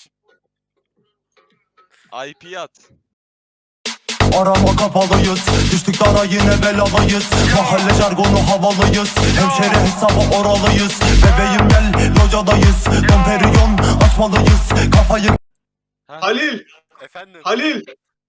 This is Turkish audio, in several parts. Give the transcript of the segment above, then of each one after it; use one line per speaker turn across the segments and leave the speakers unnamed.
IP at.
Arama kapalıyız, düştük dara yine belalıyız. Mahalle jargonu havalıyız, hemşeri hesabı oralıyız. Bebeğim gel locadayız, Domperiyon açmalıyız. Kafayı
Halil!
Efendim.
Halil!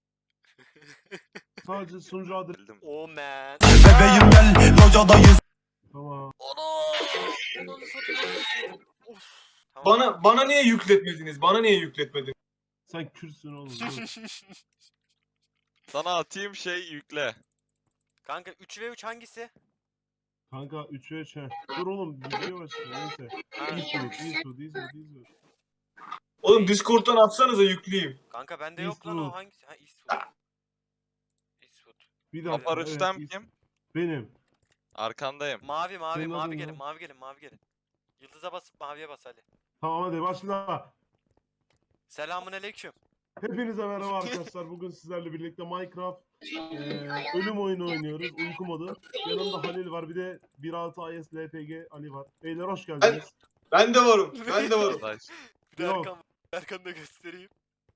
Sadece sunucu adresi.
Bildim.
Oh man.
bebeğim gel locadayız.
Tamam.
Onu satayım. Of. Tamam.
Bana niye yükletmediniz? Bana niye yükletmediniz?
Sen Kürtsün oğlum. Dur.
Sana atayım yükle.
Kanka 3v3 hangisi?
Kanka 3'e 3 he. Dur oğlum video başlıyor neyse. Eastwood.
Oğlum Discord'dan atsanıza yükleyeyim.
Kanka bende yok lan o
Eastwood.
hangisi? Ha Eastwood. Eastwood.
Bir dakika.
Apar Rüstem
evet,
kim?
Benim.
Arkandayım.
Mavi
Senin adın
gelin
ne?
mavi gelin mavi gelin. Yıldıza basıp maviye bas Ali.
Tamam hadi başla.
Selamun aleyküm.
Hepinize merhaba arkadaşlar. Bugün sizlerle birlikte Minecraft ölüm oyunu oynuyoruz. Uyku modu. Yanımda Halil var. Bir de 1.6 IS LPG Ali var. Beyler hoş geldiniz.
Ben de varım. Ben de varım.
Arkadaş.
Bir de
Yok.
Erkan'ı da göstereyim.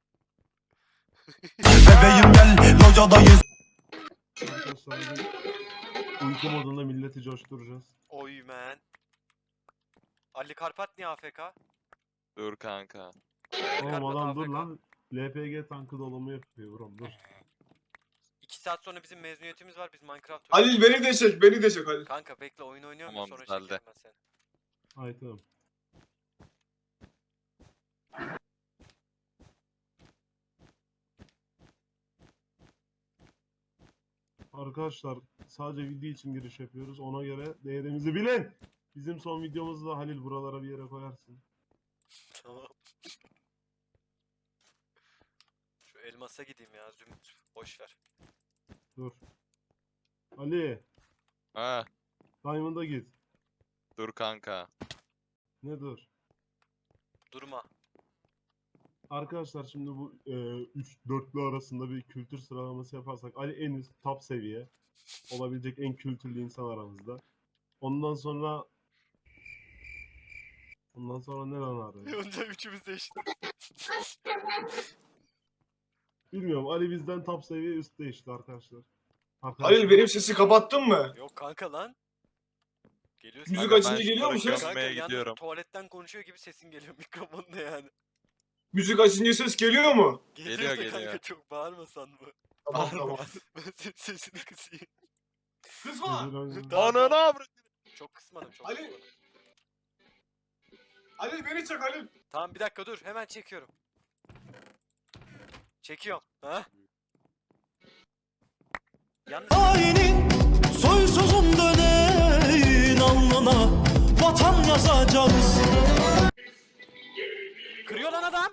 Bebeğim gel locadayız.
Arkadaşlar bugün uyku modunda milleti coşturacağız.
Oy man. Ali Karpat niye AFK?
Dur kanka.
Oğlum
Karpat
adam dur
AFK.
lan. LPG tankı dolumu yapıyor bro dur.
2 saat sonra bizim mezuniyetimiz var. Biz Minecraft
Halil beni de çek. Beni de çek Halil.
Kanka bekle oyun oynuyorum
Tamam,
sonra
güzeldi.
çekerim ben seni.
Ay tamam. Arkadaşlar sadece video için giriş yapıyoruz. Ona göre değerimizi bilin. Bizim son videomuzda Halil buralara bir yere koyarsın.
Tamam. Şu elmasa gideyim ya Zümrüt. Boş ver.
Dur. Ali,
Ha,
Diamond'a git.
dur kanka.
Ne dur?
Durma.
Arkadaşlar şimdi bu 3-4'lü arasında bir kültür sıralaması yaparsak Ali en üst top seviye olabilecek en kültürlü insan aramızda. Ondan sonra ne lan abi?
Önce üçümüz de eşit.
Bilmiyorum Ali bizden top seviye üstte işte arkadaşlar.
Halil benim sesi kapattın mı?
Yok kanka lan. Geliyor
Müzik
sesin.
açınca
ben
geliyor mu
şunları
ses?
Kanka
Gömmeye
yalnız
gidiyorum.
tuvaletten konuşuyor gibi sesin geliyor mikrofonda yani.
Müzik açınca ses geliyor mu?
Geliyor,
da kanka
geliyor.
çok bağırmasan mı?
Tamam tamam.
Ben senin sesini kısayım.
Kızma.
Ananı avradım.
Çok kısmadım çok
Ali.
kısmadım.
Halil beni çek Halil.
Tamam bir dakika dur hemen çekiyorum. Çekiyorum. Ha? Yalnız
Hainin soysuzun döneğin alnına vatan yazacağız.
kırıyor lan adam.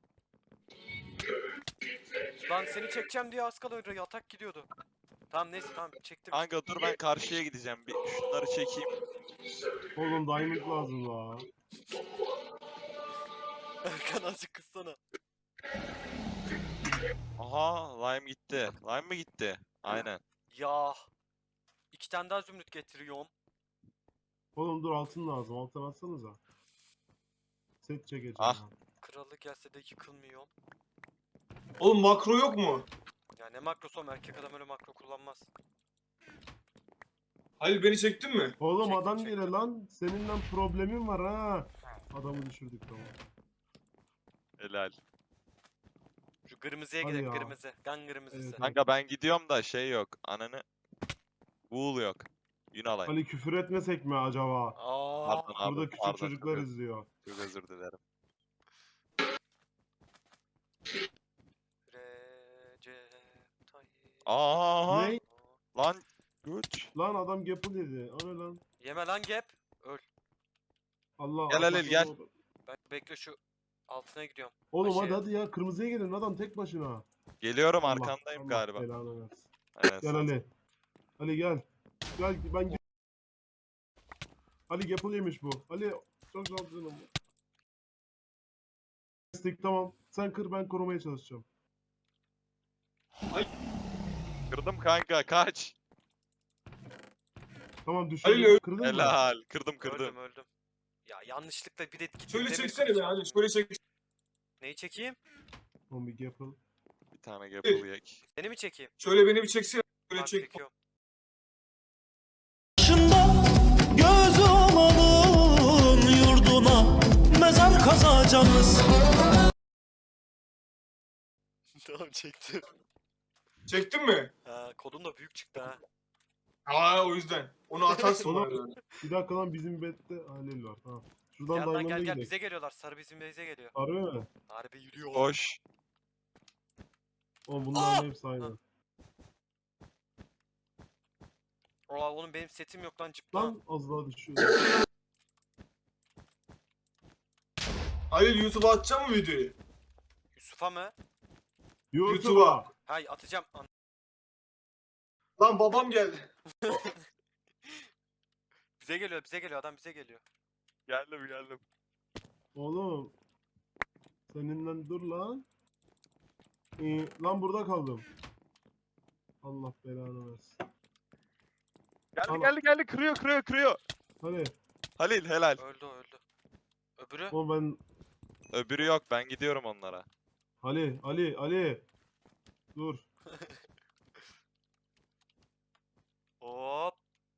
Lan seni çekeceğim diye az kala yatak gidiyordu. Tamam neyse tamam çektim.
Kanka dur ben karşıya gideceğim. Bir şunları çekeyim.
Oğlum Diamond lazım la.
Erkan azıcık kıssana.
Aha, lime gitti. Lime mi gitti? Aynen.
Ya. 2 tane daha zümrüt getiriyorum.
Oğlum dur altın lazım. Altın atsanıza. Set çekeceğim.
Ah.
ha.
Kralı gelse de yıkılmıyorum.
Oğlum makro yok mu?
Ya ne makrosom erkek adam öyle makro kullanmaz.
Halil beni çektin mi?
Oğlum
Çektim,
adam
çektim.
gele lan. Seninle problemin var ha. Adamı düşürdük tamam.
Helal.
Şu kırmızıya
Hadi
gidelim
ya.
kırmızı. Kan kırmızısı.
Evet.
Kanka ben gidiyorum da yok. Ananı. Wool yok. Yün alayım.
Ali küfür etmesek mi acaba?
Aa.
Pardon abi.
Burada küçük
pardon,
çocuklar
çok,
izliyor.
çok özür dilerim.
Recep Tayyip.
Aa,
Ne?
lan güç.
Lan adam gapple dedi. O ne lan?
Yeme lan gap. Öl.
Allah.
Gel Halil, gel.
Ben bekle şu altına gidiyorum.
Oğlum
Aşağıya.
hadi ya kırmızıya gelin adam tek başına.
Geliyorum,
Allah,
arkandayım
Allah
galiba.
belanı versin.
Aynen,
Gel
sen-
Ali. Ali gel. Gel ben Ali gapple yemiş bu. Ali çok zor canım. Destek tamam. Sen kır ben korumaya çalışacağım.
Kırdım kanka, kaç.
Tamam
Ali
düşürdüm.
öl-
Kırdın mı?
Helal. Kırdım.
Öldüm öldüm. Ya yanlışlıkla bir de gittim.
Şöyle
demir
çeksene
kılıç
beni
aldım.
Halil. Şöyle çek.
Neyi çekeyim?
Oğlum bir Gapple.
Bir tane Gapple yek.
Seni mi çekeyim?
Şöyle beni bir çeksene. Şöyle
Tamam,
çek.
çekiyorum.
Başında göz olanın yurduna mezar kazacağız.
Tamam çektim.
Çektin mi?
Ha, kodum da büyük çıktı ha.
Aa o yüzden. Onu atarsın
Oğlum,
bana. Yani.
Bir dakika lan bizim bette Halil var. Tamam. Şuradan
Gel lan
Diamond'a
gel
gidelim.
bize geliyorlar. Sarı bizim base'e geliyor.
Harbi mi?
Harbi yürüyor.
Koş.
Oğlum bunların hepsi aynı.
Ola oğlum benim setim yok lan cıplan.
Lan az daha düşüyor.
Halil YouTube'a atacak mı videoyu?
Yusuf'a mı?
YouTube'a.
Hay atacağım.
Lan babam geldi.
Bize geliyor bize geliyor adam bize geliyor.
Geldim.
Oğlum. Seninle dur lan. Lan burada kaldım. Allah belanı versin.
Geldi. Kırıyor.
Hadi.
Halil helal.
Öldü o öldü. Öbürü?
Oğlum ben
Öbürü yok, ben gidiyorum onlara.
Ali. Dur.
Hop.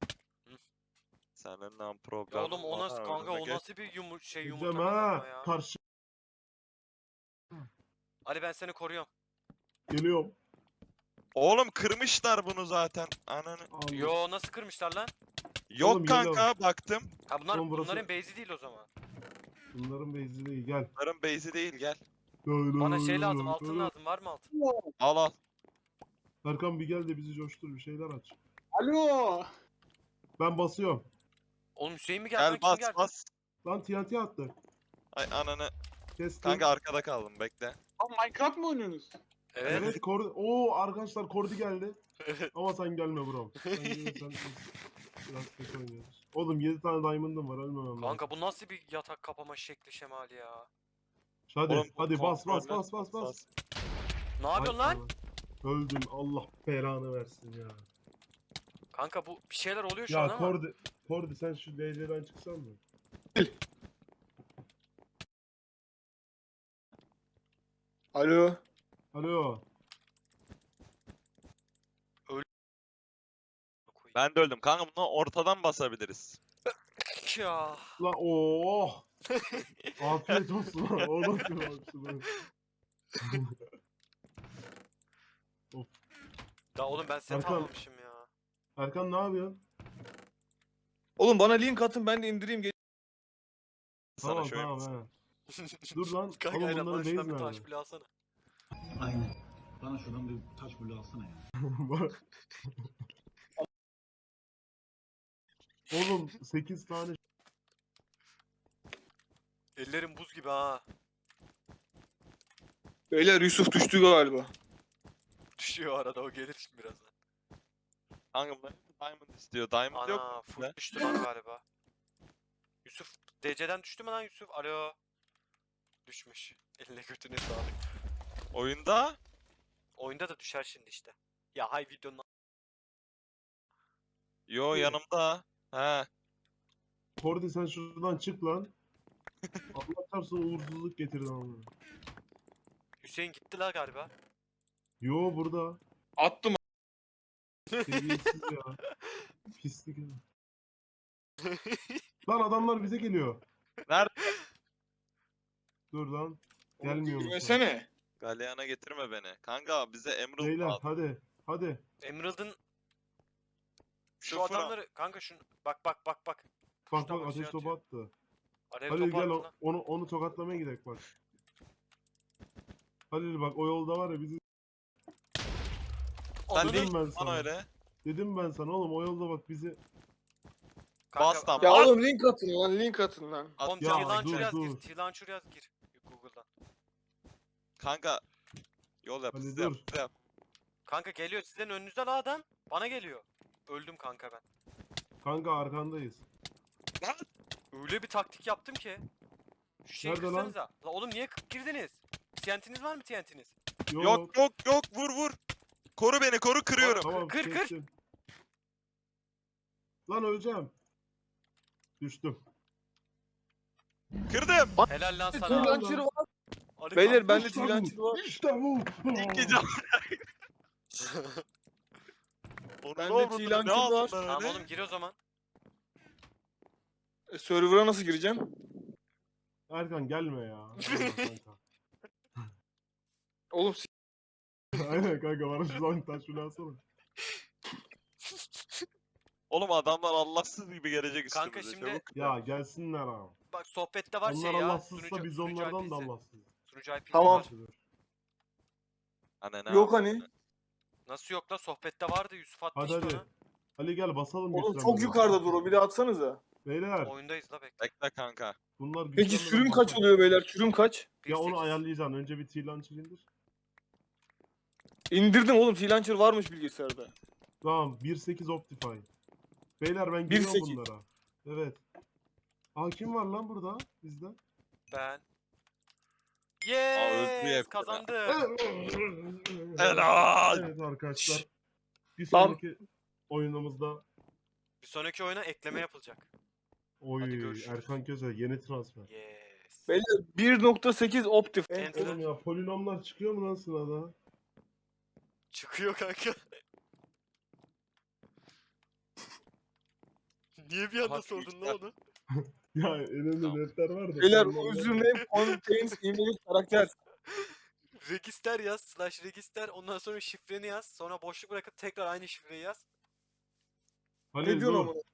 Seninle problem
Ya oğlum o
var
nasıl
ha,
kanka
önüne
o
geç.
nasıl bir
Gideceğim
yumurta
ha.
kanka ya.
Karşı
Ali ben seni koruyorum.
geliyorum.
Oğlum kırmışlar bunu zaten. Ananı.
Allah.
Yo nasıl kırmışlar lan?
Yok
Oğlum,
kanka, baktım.
Ha bunlar
Oğlum burası-
bunların base'i değil o zaman.
Bunların base'i değil gel.
Bunların base'i değil, gel.
Bana şey lazım altın lazım var mı altın?
Al.
Erkan bir gel de bizi coştur bir şeyler aç.
Alo.
Ben basıyorum.
Oğlum Hüseyin mi geldi lan
Gel
kim
bas
geldi?
bas.
Lan TNT attı.
Ay ananı.
Kestim.
Kanka arkada kaldım, bekle.
Abi Minecraft mı oynuyorsunuz?
Evet.
Evet Kordi. Oo arkadaşlar Kordi geldi. Ama sen gelme bro. Sen gelirsen biz biraz kötü oynuyoruz. Oğlum 7 tane diamond'ım var ölmemem lazım.
Kanka bu nasıl bir yatak kapama şekli şemali ya?
Hadi
Oğlum, bu
hadi bas
kontroller-
Ne yapıyorsun
Ay,
lan?
Öldüm Allah belanı versin ya.
Kanka bu bir şeyler oluyor şu an
Ya
ama.
Kordi sen şu DC'den çıksan mı?
Alo.
Alo.
Ben de öldüm. Kanka bunu ortadan basabiliriz.
Ya.
La oh. Afiyet olsun lan. O nasıl bir aksiyon?
Ya oğlum ben set
Erkan.
almamışım ya.
Erkan ne yapıyorsun?
Oğlum bana link atın ben de indireyim.
Sana
Tamam
şöyle
tamam he. Dur lan.
Kanka
Oğlum
aynen
bunların
bana şuradan
base
bir
nerede?
taş bile alsana.
Aynen. Bana şuradan bir taş bulu alsana ya.
Bak. Oğlum 8 tane
Ellerim buz gibi ha.
Beyler Yusuf düştü galiba.
Düşüyor arada o gelir şimdi birazdan.
Kanka bunlar diamond istiyor. Diamond yok
Ana
mu?
full
Ne?
düştü lan galiba. Yusuf DC'den düştü mü lan Yusuf? Alo. Düşmüş. Eline götüne sağlık.
Oyunda
Oyunda da düşer şimdi işte. Ya hay videonun
yo yanımda. He.
Kordi sen şuradan çık lan. Allah çarpsın uğursuzluk getirdi ama.
Hüseyin gitti la galiba.
Yo burada.
Attım.
Seviyesiz ya. Pislik ya. Lan adamlar bize geliyor.
Nerede?
Dur lan. Gelmiyor musun?
Girmesene.
Galyana getirme beni. Kanka bize Emerald
Beyler
lazım.
hadi.
Emerald'ın şu
Sıfır al.
adamları kanka şunu bak.
Bak
Şuradan
bak
bir şey
ateş topu
atıyor.
attı.
Alev
Halil
topu
gel
attı lan.
onu tokatlamaya gidelim bak. Halil bak o yolda var ya bizi
Sen
Ananı-
ne
Dedim ben
lan
sana.
öyle?
dedim ben sana oğlum o yolda bak bizi
Kanka,
Bas lan,
Ya
bas.
oğlum link atın lan link atın lan.
Oğlum
Ya,
T-Launcher
dur,
yaz
dur.
gir. T-Launcher yaz gir. Google'dan.
Kanka yol yap,
Hadi
hızlı yap,
dur.
hızlı yap.
Kanka geliyor sizden önünüzden adam. Bana geliyor. Öldüm kanka ben.
kanka arkandayız.
Öyle bir taktik yaptım ki. Şu şeyi
Nerede lan?
kırsanıza. La oğlum niye girdiniz? TNT'niz var mı TNT'niz?
Yok, vur. Koru beni, koru, kırıyorum.
Tamam
Kır.
kestim. Lan öleceğim. Düştüm.
Kırdım.
Helal lan
Dur
sana.
launcher'ı var.
Ali
Beyler
kanka.
bende
İşte bu,
freelancer var.
İşte bu.
İlk gece Onu
Bende
ne oldu? Ne
freelancer
aldın
var.
lan
Tamam
öyle?
oğlum gir o zaman.
Server'a nasıl gireceğim?
Erkan gelme ya. Gelme kanka.
Oğlum
Aynen kanka bana şu zaman taş şunu alsana.
Oğlum adamlar Allahsız gibi gelecek
Kanka
üstümüze.
şimdi-
Çabuk.
Ya gelsinler abi.
Bak sohbette var
Onlar
şey ya.
Allahsızsa biz onlardan da
IP'si.
Allahsızız.
Sunucu IP'si
Tamam.
var.
Anne ne
yok
yaptın?
hani.
Nasıl yok la sohbette vardı Yusuf attı
Hadi
işte
hadi.
onu.
Ali gel basalım
Oğlum
güçlenmeye.
çok yukarıda dur o. Bir de atsanıza.
Beyler
Oyundayız la bekle.
Bekle kanka.
bunlar
Peki
güçlenmeden
sürüm kaç
basalım.
oluyor beyler? Sürüm kaç?
Ya onu
1.8.
ayarlayacaksın. Önce bir T-Launcher indir.
İndirdim oğlum. Freelancer varmış bilgisayarda.
Tamam 1.8 Optifine. Beyler ben giriyorum
1.8.
bunlara. Evet. Aa kim var lan burada bizde?
Ben.
öldü
Yes
hep ya.
kazandım.
Helal.
Evet arkadaşlar. Bir
Tam-
sonraki oyunumuzda
Bir sonraki oyuna ekleme yapılacak.
oy
görüşürüz.
Erkan Köse yeni transfer.
Yes.
Beyler 1.8 Optif.
Enter.
Oğlum ya polinomlar çıkıyor mu lan sırada?
Çıkıyor kanka. Niye bir anda
Aha,
sordun
büyükler.
lan onu?
Ya önümde
Tamam.
netler var da.
Beyler
polinomlar-
username contains invalid karakter.
Register yaz, slash register, ondan sonra şifreni yaz, sonra boşluk bırakıp tekrar aynı şifreyi yaz.
Halil
Ne diyorsun
dur.
ama?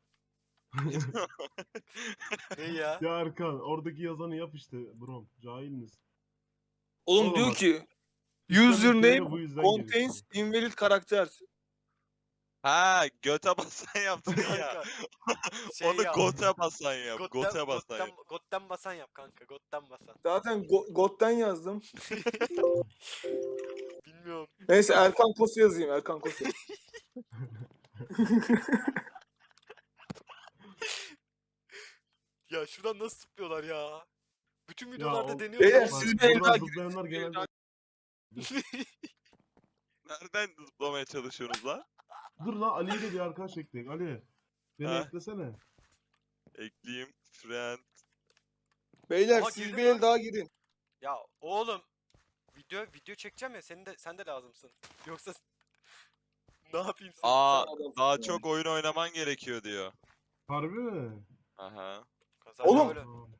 Ne ya?
Ya Erkan oradaki yazanı yap işte bro. Cahil misin?
Oğlum
Oğlum
diyor
bak,
ki
İşte
username
bu yüzden
contains
gelişiyor.
invalid karakter.
Ha göte basan yaptın ya.
Kanka. Şey
Onu
yap.
gote basan yap. Gote basan yap.
Gotten basan yap kanka, gotten basan.
Zaten God'den yazdım.
Bilmiyorum.
Neyse Erkan Kosu yazayım. Erkan Kosu.
Ya şuradan nasıl zıplıyorlar ya? Bütün
Ya
videolarda
o-
deniyor.
Beyler,
ama-
siz bir
buradan
el daha
zıplayanlar genelde...
Nereden zıplamaya çalışıyorsunuz lan?
Dur lan Ali'yi de bir arkadaş ekleyin. Ali. Beni
Ha.
eklesene.
Ekleyeyim. Friend.
Beyler
Ama
siz
girdim
bir el
lan.
daha girin.
Ya oğlum video çekeceğim ya sen de lazımsın. Yoksa ne yapayım sen?
Aa
Sen adamsın
daha
ya.
çok oyun oynaman gerekiyor diyor.
Harbi mi?
Aha.
Kazandı
Oğlum.
öyle.
Tamam.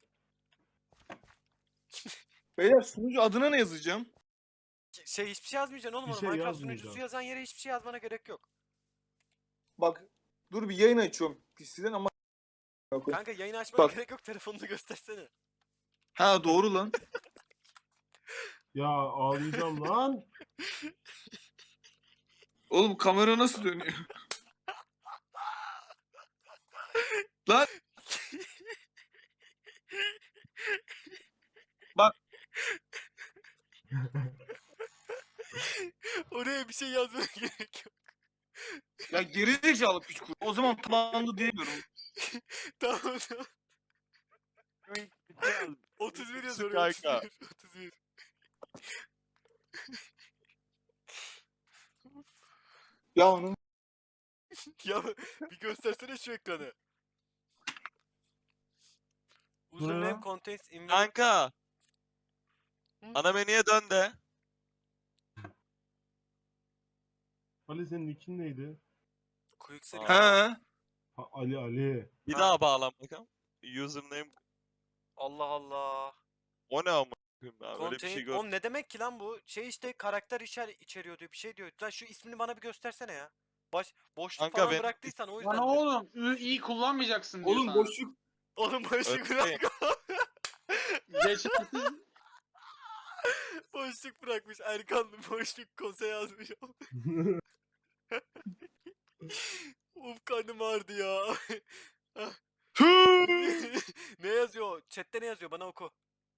Beyler sunucu adına ne yazacağım?
Şey hiçbir şey yazmayacaksın oğlum.
Bir
ona.
şey
Minecraft
yazmayacaksın.
sunucusu yazan yere hiçbir şey yazmana gerek yok.
Bak dur bir yayın açıyorum PC'den ama
Kanka yayını açmana
Bak.
gerek yok, telefonunu göstersene.
ha doğru lan.
Ya ağlayacağım lan.
Oğlum kamera nasıl dönüyor? Lan
Oraya bir şey yazmana gerek yok.
ya geri zekalı piç kuru. O zaman tamamlandı diyemiyorum.
Tamam tamam. 31 yazıyor.
Kanka.
31.
Ya onun
Ya bir göstersene şu ekranı.
ya?
Username contains invalid.
Kanka.
Hı?
Ana menüye dön de.
Ali senin nickin neydi?
Quick seri.
ha
Ha, Ali.
Bir
Ha.
daha bağlan bakalım. Username.
Allah Allah.
O ne ama? Öyle bir şey
Contain...
gör.
Oğlum ne demek ki lan bu? Şey işte karakter içeriyor diyor, bir şey diyor. Lan şu ismini bana bir göstersene ya. Boşluk
Kanka
falan
ben-
bıraktıysan o yüzden.
Lan oğlum iyi kullanmayacaksın diyor
oğlum
sana.
boşluk
Oğlum boşluk
Öyle.
bırak.
Geçersiz.
Boşluk bırakmış. Erkan boşluk kose yazmış. Uf karnım ağrıdı ya. Ne yazıyor? Chat'te ne yazıyor? Bana oku.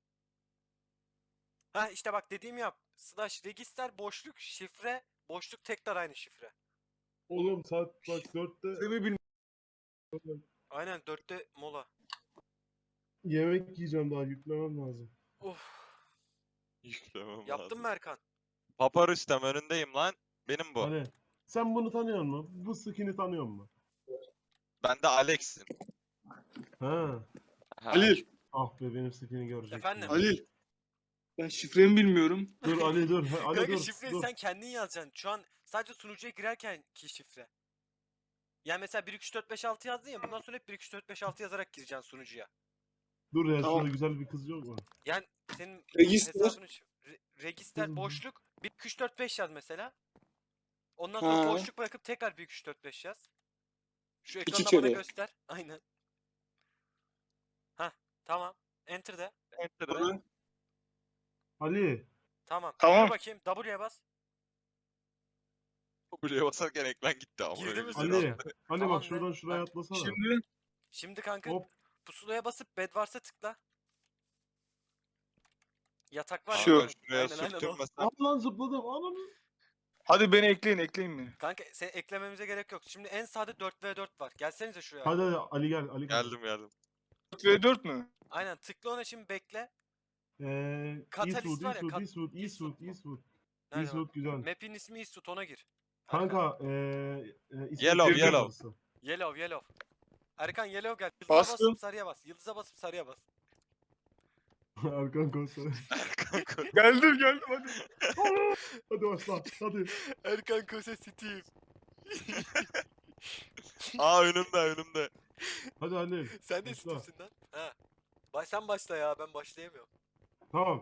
Ha işte bak dediğimi yap. Slash register boşluk şifre boşluk tekrar aynı şifre.
Oğlum saat bak 4'te
seni bilmiyorum.
Aynen 4'te mola.
yemek yiyeceğim daha yüklemem lazım.
Uf.
Yüklemem
Yaptın
lazım.
mı Erkan?
Papar üstem önündeyim lan. Benim bu.
Ali sen bunu tanıyor musun? Bu skin'i tanıyor musun?
Ben de Alex'im.
Ha.
Ha.
Halil,
Ah be benim skin'i görecek.
Efendim?
Halil. Ben şifremi bilmiyorum.
Dur Ali dur. Ali
Kanka
dur.
şifreyi
dur.
sen kendin yazacaksın. Şu an sadece sunucuya girerken ki şifre. Yani mesela 1 2 3 4 5 6 yazdın ya, bundan sonra hep 1 2 3 4 5 6 yazarak gireceksin sunucuya.
Dur ya
Tamam.
şurada güzel bir kız yok mu?
Yani senin
Register.
hesabını register
Hı.
boşluk 1 2 3 4 5 yaz mesela. Ondan sonra
Ha.
boşluk bırakıp tekrar 1 2 3 4 5 yaz. Şu
İki
ekranda bana
kere.
göster. Aynen. Hah, tamam. Enter de.
Enter'da.
Ali.
Tamam.
Tamam.
Yürü bakayım. W'ye bas.
Buraya basarken ekran gitti ama.
Girdi
öyle
mi
bir
sen?
şey
Ali.
oldu.
Ali
Tamam
bak
be.
şuradan şuraya
Ha,
atlasana.
Şimdi
Şimdi kanka
Hop.
pusulaya basıp bed varsa tıkla. Yatak var
Kanka
Şu.
ya.
şuraya
Aynen o.
sürtünmesem.
Al lan zıpladım. Ananı.
hadi beni ekleyin beni.
Kanka sen eklememize gerek yok. Şimdi en sağda 4v4 var. Gelsenize şuraya.
Hadi hadi Ali gel. Ali gel.
Geldim.
4v4 mü?
Aynen tıkla ona, şimdi bekle.
Eastwood,
Katalist var ya,
Eastwood.
Nerede
Eastwood güzel.
Map'in ismi Eastwood, ona gir.
Kanka
Yellow,
İsmet
yellow.
arası.
Yellow. Erkan yellow gel. Yıldıza
Bastım.
basıp sarıya bas. Yıldıza basıp sarıya bas.
Erkan Koçer.
Kanka.
Geldim hadi.
Hadi başla. Hadi.
Erkan Kose Steve.
Aa önümde.
Hadi Ali.
Sen de
Başla.
Steve'sin lan. Ha. Sen başla ya, ben başlayamıyorum.
Tamam.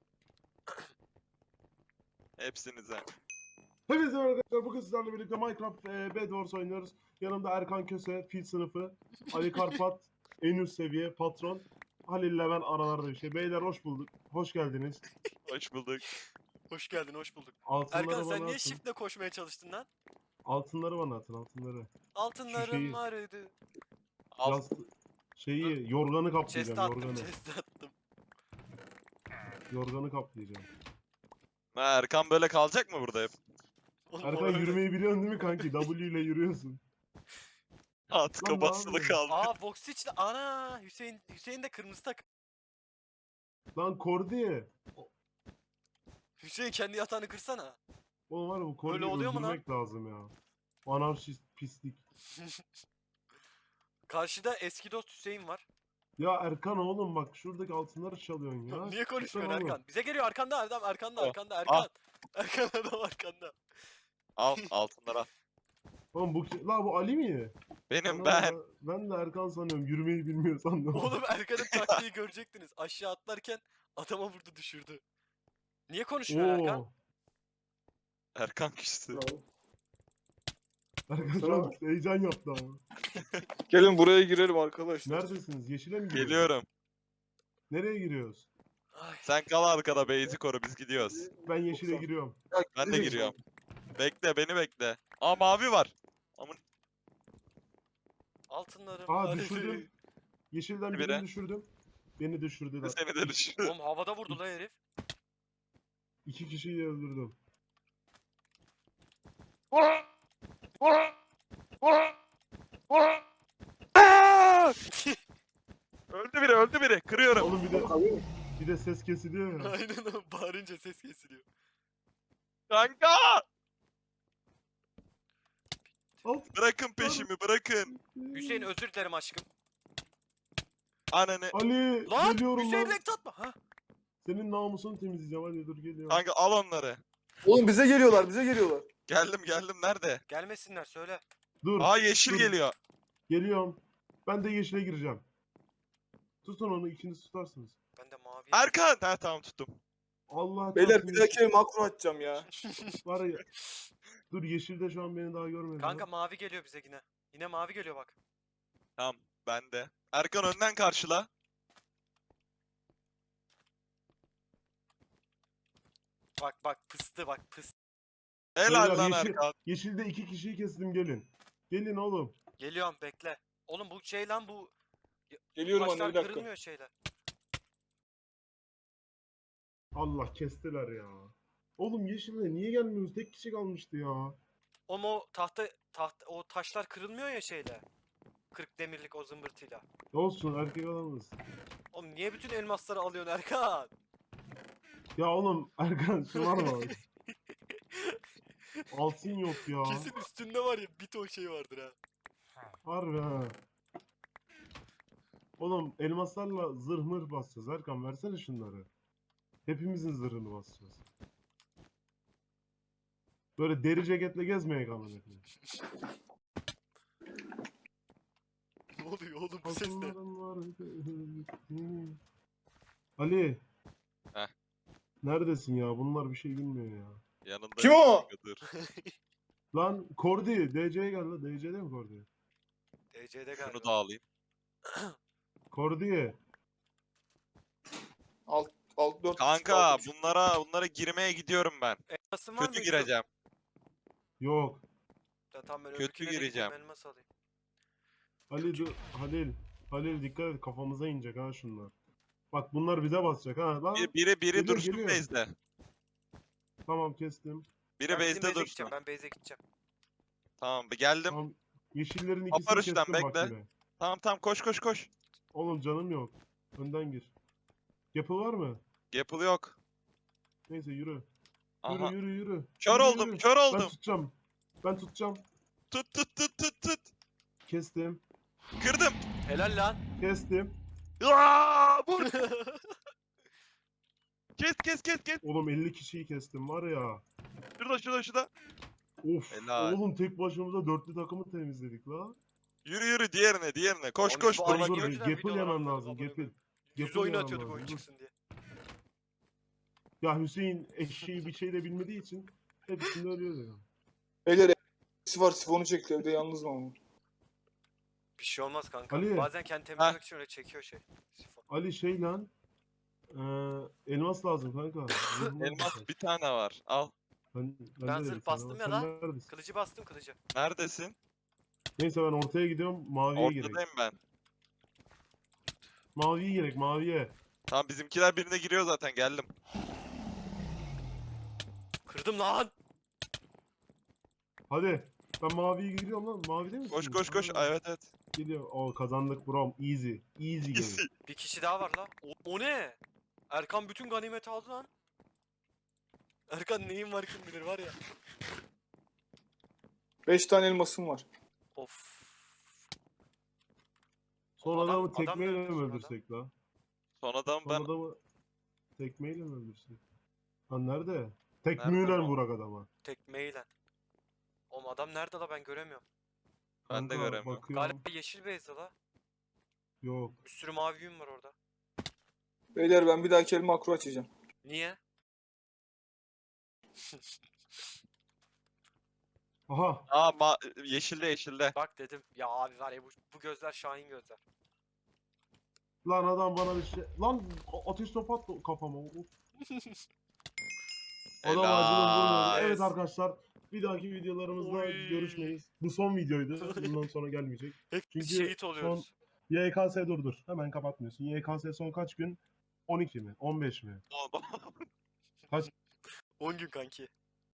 Hepsinize.
Hepinize merhaba arkadaşlar. Bugün sizlerle birlikte Minecraft Bed Wars oynuyoruz. Yanımda Erkan Köse, Fil sınıfı, Ali Karpat, en üst seviye, patron. Halil'le ben aralarda bir şey. Beyler hoş bulduk. Hoş geldiniz.
Hoş bulduk.
Hoş geldin, hoş bulduk.
Altınları
Erkan sen
bana
niye
atın.
shift'le koşmaya çalıştın lan?
Altınları bana atın, altınları.
Altınlarım
şeyi-
vardı.
Al.
Şeyi, yorganı
Chest'e
kaplayacağım,
attım,
yorganı.
chest'e attım.
Yorganı kaplayacağım.
Ha, Erkan böyle kalacak mı burada hep?
Oğlum, o
Erkan
öyle.
yürümeyi biliyorsun değil mi kanki? W ile yürüyorsun.
Tıka
Lan ne
basılı
yapıyorsun?
kaldı.
Aa Voxich'le ana Hüseyin de kırmızı takım.
Lan Kordi.
Hüseyin kendi yatağını kırsana.
Oğlum var ya bu Kordi'yi
Öyle oluyor mu lan?
öldürmek lazım ya. Anarşist pislik.
Karşıda eski dost Hüseyin var.
Ya Erkan oğlum bak şuradaki altınları çalıyorsun ya.
Niye konuşmuyorsun
Lütfen oğlum.
Erkan? Bize geliyor, arkanda adam, arkanda
Oh,
Erkan.
ah.
Erkan adam arkanda.
Al altınları al.
Oğlum la bu Ali mi?
Benim
Ana,
ben.
Ben de Erkan sanıyorum. Yürümeyi bilmiyor sandım.
Oğlum Erkan'ın taktiği görecektiniz. Aşağı atlarken adama vurdu, düşürdü. Niye konuşmuyor Erkan?
Oo.
Erkan kişisi.
Erkan şu an heyecan yaptı ama.
Gelin buraya girelim arkadaşlar.
Neredesiniz? Yeşile mi giriyoruz?
Geliyorum.
Nereye giriyoruz?
Ay.
Sen kal arkada base'i koru biz gidiyoruz.
Ben yeşile giriyorum.
Ben de giriyorum. Bekle beni bekle. Aa mavi var. Amın
Altınlarım
Aa
vardı.
düşürdüm. Yeşilden
Biri.
birini düşürdüm. Beni düşürdüler.
seni de düşürdüm.
Oğlum havada vurdu la herif.
2 kişiyi öldürdüm.
Öldü biri. Kırıyorum.
Oğlum bir de ses kesiliyor ya.
Aynen o, bağırınca ses kesiliyor.
Kanka!
Alt.
Bırakın peşimi bırakın.
Hüseyin özür dilerim aşkım.
Ananı.
Ali
Lan
geliyorum
Hüseyin
lan.
renk atma. Ha?
Senin namusunu temizleyeceğim. Hadi dur geliyorum.
Kanka al onları.
Oğlum bize geliyorlar.
Geldim nerede?
Gelmesinler, söyle.
Dur.
Aa yeşil
dur.
geliyor.
Geliyorum. Ben de yeşile gireceğim. Tutun onu, ikiniz tutarsınız.
Ben de mavi.
Erkan! Ha tamam tuttum.
Allah
Beyler
çarpsın
bir dahaki makro atacağım ya.
Var ya. Dur yeşilde şu an beni daha görmedi.
Kanka mavi geliyor bize yine. Yine mavi geliyor bak.
Tamam ben de. Erkan önden karşıla.
Bak pıstı, bak pıstı.
Helal
Beyler,
lan
yeşil-
Erkan.
Yeşilde 2 kişiyi kestim gelin. Gelin oğlum.
Geliyorum, bekle. Oğlum bu şey lan, bu
Geliyorum anne
taşlar
bir dakika.
kırılmıyor şeyler.
Allah kestiler ya. Oğlum yeşilde niye gelmiyorsunuz? Tek kişi kalmıştı ya.
O tahta o taşlar kırılmıyor ya şeyle. 40 demirlik o zımbırtıyla.
Olsun erkek adamız.
Oğlum niye bütün elmasları alıyorsun Erkan?
Ya oğlum Erkan şu var mı? Altın yok ya.
Kesin üstünde var ya bir ton şey vardır ha.
Harbi ha. Oğlum elmaslarla zırh mırh basacağız. Erkan versene şunları. Hepimizin zırhını basacağız. Böyle deri ceketle gezmeye kalın hepimiz.
Ne oluyor oğlum bu ses ne?
Altınların var. Ali.
Heh.
Neredesin ya? Bunlar bir şey bilmiyor ya.
Yanında
Kim
yok
o?
kanka, dur.
Lan Kordi. DC'ye gel lan. DC'de mi Kordi?
DC'de galiba.
Şunu da alayım.
Kordi.
Alt 4
Kanka bunlara girmeye gidiyorum ben.
Elmasın var mı
Kötü
Yusuf?
gireceğim.
Yok.
Ya tamam ben
Kötü
öbürküne de
gireceğim.
gideyim, elmas alayım.
Ali dur. Halil. Halil dikkat et. Kafamıza inecek ha şunlar. Bak bunlar bize basacak ha. Lan.
Biri
Geliyor,
dursun
geliyor.
base'de.
Tamam kestim.
Biri
Ben bizim
base'de
base'e
dursun.
gideceğim. Ben base'e gideceğim.
Tamam geldim.
Tamam. Yeşillerin ikisini
Aparış'tan
kestim bak
bekle.
bile.
Tamam koş.
Oğlum canım yok. Önden gir. Yapı var mı?
Gapple yok.
Neyse yürü.
Aha.
Yürü.
Kör
Yürü,
oldum,
yürü.
kör
Ben
oldum.
tutacağım. Ben tutacağım.
Tut.
Kestim.
Kırdım.
Helal lan.
Kestim.
Aa, vur. Kes.
Oğlum 50 kişiyi kestim var ya.
Şurada.
Of.
Helal.
Oğlum tek başımıza dörtlü takımı temizledik la.
Yürü diğerine. Koş.
Oğlum biz bu
Dur
Ali
dur
niye
bir
önceden
Gapple
videolar
yemem
atmadık
lazım.
amına
Gapple.
koyayım?
Gapple
100 oyun
yemem
atıyorduk
lazım,
oyun
dur.
çıksın diye.
Ya Hüseyin eşeği bir şey de bilmediği için hepsinde ölüyor ya.
Beyler eksi var sifonu çekti evde yalnız mı ama?
Bir şey olmaz kanka.
Ali.
Bazen kendi temizlemek için öyle çekiyor şey. Sifon.
Ali şey lan. Elmas lazım kanka. Zırhım
Elmas
var.
bir tane var. Al.
Ben
Ben
de
zırh
bir tane
bastım
var.
ya
Sen
lan.
neredesin?
Kılıcı bastım kılıcı.
Neredesin?
Neyse ben ortaya gidiyorum. Maviye gerek.
Ortadayım ben.
Maviye gerek maviye.
Tamam bizimkiler birine giriyor zaten geldim.
Kırdım lan.
Hadi. Ben maviye gidiyorum lan. Mavide misin?
Koş.
Ha,
Evet.
Geliyor. O kazandık bro. Easy. Easy game.
Bir kişi daha var la. O ne? Erkan bütün ganimeti aldı lan. Erkan neyin var kim bilir var ya.
5 tane elmasım var.
Of.
Son
Adam-
adamı
adam
tekmeyle
nerede
mi
son adam?
öldürsek la?
Son adam
Son
ben.
adamı tekmeyle mi öldürsek? Lan nerede?
Nerede
Tekmeyle
bu?
vurak adama.
Tekmeyle. Oğlum adam nerede la ben göremiyorum.
Ben de
Kanka,
göremiyorum.
Bakıyorum.
Galiba yeşil base'de la.
Yok.
Bir sürü mavi yün var orada.
Beyler ben bir dahaki el makro açacağım.
Niye?
Aha.
Yeşilde.
Bak dedim. Ya abi var ya bu gözler Şahin gözler.
Lan adam bana bir şey... Lan ateş topu attı kafama. Of. Adam ağacına vurmadı.
Helal.
Evet arkadaşlar. Bir dahaki videolarımızda
Oy.
görüşmeyiz. Bu son videoydu. Bundan sonra gelmeyecek.
Hep
Çünkü
şehit oluyoruz.
YKS dur. Hemen kapatmıyorsun. YKS son kaç gün? 12 mi? 15 mi?
10 gün kanki.